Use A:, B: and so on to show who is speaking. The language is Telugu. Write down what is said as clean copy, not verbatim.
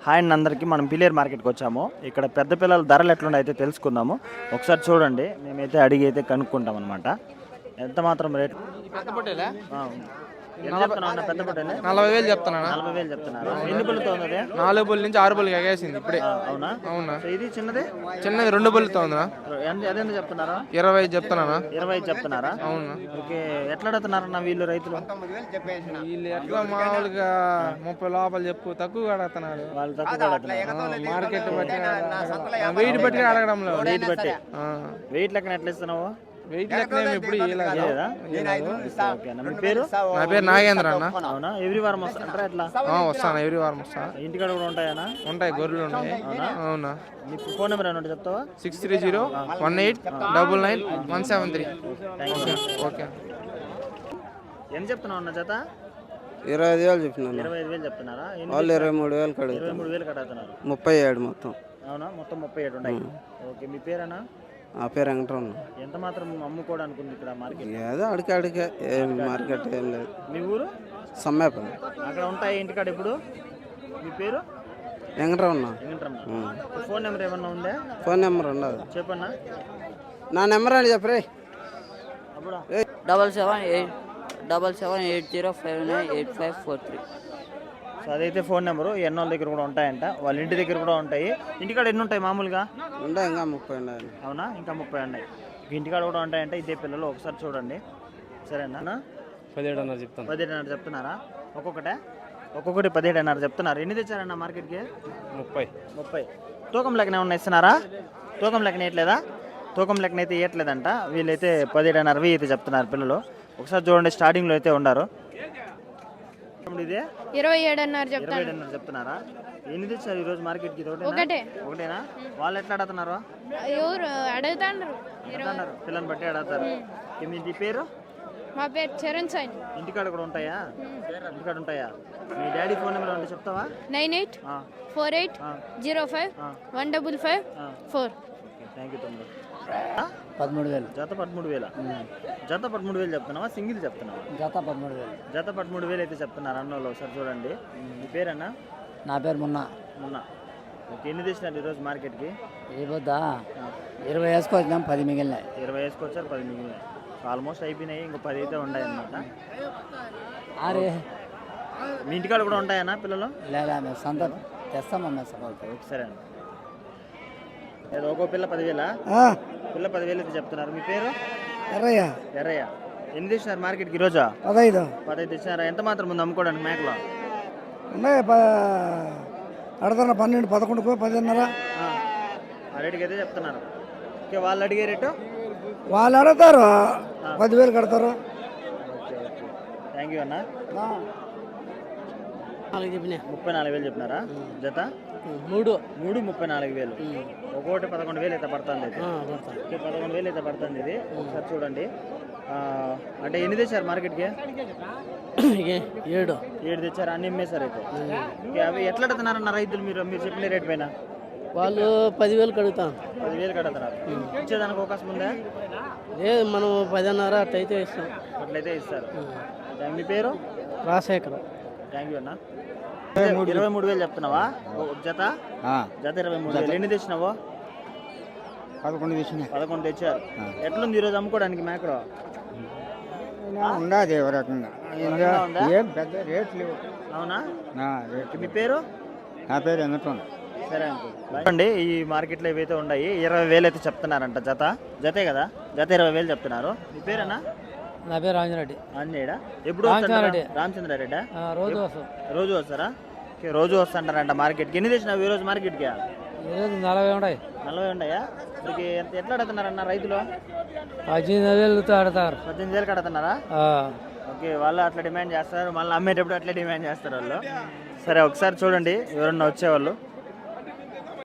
A: హాయ్ అండి అందరికీ. మనం పిలేరు మార్కెట్కి వచ్చాము. ఇక్కడ పెద్ద పిల్లల ధరలు ఎట్లున్నాయి అయితే తెలుసుకుందాము. ఒకసారి చూడండి, మేమైతే అడిగి అయితే కనుక్కుంటాం అనమాట. ఎంత మాత్రం రేట్?
B: పెద్ద పొట్టేలా
A: ఎంత చెప్తున్నావు అన్న? పెద్ద పొట్టేలే
B: 40,000 చెప్తున్నా.
A: 40,000 చెప్తున్నారు. ఎన్ని పుల్లతో ఉంది?
B: 4 బుల్ నుంచి 6 బుల్ ఎగేసింది ఇప్పుడే.
A: అవునా?
B: అవునా?
A: సో ఇది చిన్నది
B: చిన్నది 2 బుల్తో ఉందా?
A: అదెంత చెప్తున్నారా?
B: 25 చెప్తున్నా.
A: 25 చెప్తున్నారా?
B: అవునా?
A: ఓకే. ఎట్లా అడుగుతున్నారన్న వీళ్ళు రైతులు?
B: వీళ్ళు ఎట్లా మామూలుగా 30 లోపల చెప్పు, తక్కువ అడుగుతున్నారు.
A: వాళ్ళు తక్కువ అడుగుతున్నారు.
B: మార్కెట్ బట్టి వెయిట్ బట్టి అడగడం లేదు.
A: వెయిట్ బట్టి. వెయిట్ లెక్కన ఎట్లా ఇస్తున్నావు?
B: వెయిట్ లెక్క ఎప్పుడు
A: లేదా? ఓకే అన్న. మీ పేరు?
B: నా పేరు నాగేంద్ర అన్న.
A: అవునా? ఎవ్రీ వారం వస్తారా? ఎట్లా
B: వస్తాను, ఎవ్రీ వారం వస్తా.
A: ఇంటికాడ కూడా ఉంటాయనా?
B: ఉంటాయి, గొర్రెలు ఉంటాయి. అవునా?
A: మీ ఫోన్ నెంబర్ ఏమైనా చెప్తావా?
B: 6301899173. ఓకే.
A: ఎంత చెప్తున్నావు అన్న జత?
C: 25,000 చెప్పినాను.
A: 25,000 చెప్తున్నారా?
C: వాళ్ళు 23,000 కడుగుతారు.
A: 23,000 కడుగుతున్నారు.
C: 37 మొత్తం.
A: అవునా? మొత్తం 37 ఉన్నాయి. ఓకే. మీ పేరేనా?
C: ఆ పేరు వెంకటరమణ.
A: ఎంత మాత్రం అమ్ముకోవడానికి ఉంది ఇక్కడ మార్కెట్?
C: ఏదో అడికే ఏం మార్కెట్ ఏం లేదు.
A: మీ ఊరు?
C: సమ్మేపల్లి.
A: అక్కడ ఉంటాయి ఇంటికాడ ఇప్పుడు. మీ పేరు?
C: వెంకటరమణ.
A: వెంకటరమణ. ఫోన్ నెంబర్ ఏమన్నా ఉందా?
C: ఫోన్ నెంబర్ ఉండదు.
A: చెప్పన్నా.
C: నా నెంబర్ అని చెప్పరే.
D: 7778059853.
A: సో అదైతే ఫోన్ నెంబరు. ఎన్నోళ్ళ దగ్గర కూడా ఉంటాయంట, వాళ్ళ ఇంటి దగ్గర కూడా ఉంటాయి. ఇంటికాడ ఎన్ని ఉంటాయి మామూలుగా?
C: ఉంటాయి, ఇంకా 30 ఉన్నాయి.
A: అవునా? ఇంకా 30 ఉన్నాయి. ఇంటికాడ కూడా ఉంటాయంట. ఇదే పిల్లలు. ఒకసారి చూడండి. సరేనా?
B: 17 చెప్తాను.
A: 17 చెప్తున్నారా? ఒక్కొక్కటి 17 చెప్తున్నారు. ఎన్ని తెచ్చారన్న మార్కెట్కి? 30. తూకం లెక్కన ఏమన్నా ఇస్తున్నారా? తూకం లెక్కన ఇవ్వట్లేదా? తూకం లెక్కన అయితే ఇవ్వట్లేదంట. వీళ్ళైతే 17.5 అయితే చెప్తున్నారు పిల్లలు. ఒకసారి చూడండి, స్టార్టింగ్లో అయితే ఉండారు. ఇదే 27.5 చెప్తున్నారా? ఎన్ని తెచ్చారు ఈరోజు మార్కెట్కి? ఒకటేనా? వాళ్ళు ఎట్లా అడుగుతున్నారు? అడుగుతున్నారు, పిల్లల్ని బట్టి అడుగుతారు. మీ పేరు?
E: మా పేరు చరణ్ సాయి.
A: ఇంటికాడ కూడా ఉంటాయా? ఇంటికాడ ఉంటాయా? మీ డాడీ ఫోన్ నెంబర్ అంటే చెప్తావా?
E: 9848051554.
A: థ్యాంక్ యూ తమ్ముడు.
D: 13,000.
A: జత 13,000. జత 13,000 చెప్తున్నావా? సింగిల్ చెప్తున్నావా?
D: జత 13,000.
A: జత 13,000 అయితే చెప్తున్నారు అన్నోళ్ళు. ఒకసారి చూడండి. మీ పేరన్నా?
D: నా పేరు మొన్న.
A: ఓకే. ఎన్ని తెచ్చినారు ఈరోజు మార్కెట్కి?
D: ఏ పొద్దా 20 వేసుకొచ్చినాం, 10 మిగిలినాయి.
A: 20 వేసుకొచ్చారు, 10 మిగిలినాయి. ఆల్మోస్ట్ అయిపోయినాయి. ఇంకో 10 అయితే ఉన్నాయి అన్నమాట. మీ ఇంటికాడ కూడా ఉంటాయన్నా పిల్లలు?
D: లేదా మేము సంత తెస్తామమ్మా.
A: సరే అండి. ఏదో ఒక్కో పిల్ల 10,000. పిల్ల 10,000 అయితే చెప్తున్నారు. మీ పేరు? ఎర్రయ్య. ఎన్ని తెచ్చినారు మార్కెట్కి ఈరోజు? 15 తెచ్చినారా? ఎంత మాత్రం ముందు అమ్ముకోవడానికి మేకలో?
F: ఉన్నాయి. అడుగుతున్నా 12, 11, 10:30.
A: ఆ రేటుకి అయితే చెప్తున్నారు. ఓకే. వాళ్ళు అడిగే రేటు?
F: వాళ్ళు అడుగుతారు 10,000 కడతారు.
A: ఓకే. థ్యాంక్ యూ అన్న. 34,000 చెప్పినారా? జత 3 34,000. ఒక్కొక్కటి 11,000 అయితే పడుతుంది. అయితే 11,000 అయితే పడుతుంది ఇది. ఒకసారి చూడండి. అంటే ఎన్ని తెచ్చారు మార్కెట్కి? 7 తెచ్చారు. అన్ని అమ్మేశారు అయితే. అవి ఎట్లా అడుగుతున్నారన్న రైతులు? మీరు చెప్పిన రేట్ పైన
D: వాళ్ళు 10,000 కడుగుతాం.
A: 10,000 కడుగుతున్నారు. ఇచ్చేదానికి అవకాశం ఉందా?
D: లేదు, మనం 10:30 అట్లయితే ఇస్తాం.
A: అట్లయితే ఇస్తారు. మీ పేరు?
D: రాజశేఖర్.
A: థ్యాంక్ యూ అన్న. 23,000 చెప్తున్నావా జత? జత 23,000. ఎన్ని తెచ్చినావో? 11 తెచ్చారు. ఎట్లుంది ఈరోజు అమ్ముకోవడానికి మేకలో?
F: ఉండదు ఏ రకంగా. ఏం పెద్ద రేట్ లేవు.
A: అవునా? మీ పేరు?
F: నా పేరు వెంకటరమణ.
A: సరే అండి. ఈ మార్కెట్లో ఇవైతే ఉన్నాయి. 20,000 అయితే చెప్తున్నారంట జత. జతే కదా? జత 20,000 చెప్తున్నారు. మీ పేరేనా?
D: నా పేరు రాంజరెడ్డి.
A: ఆంజనేయుడా? ఎప్పుడు? రామచంద్రారెడ్డి. రోజు వస్తారా? ఓకే. రోజు వస్తుంటారంట మార్కెట్కి. ఎన్ని తెచ్చినావు ఈరోజు మార్కెట్కి?
D: 40 ఉన్నాయి.
A: 40 ఉన్నాయా? ఇప్పటికి ఎట్లా అడుగుతున్నారన్న రైతులు?
D: 18,000 ఆడతారు.
A: 18,000 అడుగుతున్నారా? ఓకే. వాళ్ళు అట్లా డిమాండ్ చేస్తారు, మళ్ళీ అమ్మేటప్పుడు అట్లా డిమాండ్ చేస్తారు వాళ్ళు. సరే, ఒకసారి చూడండి ఎవరన్నా వచ్చేవాళ్ళు.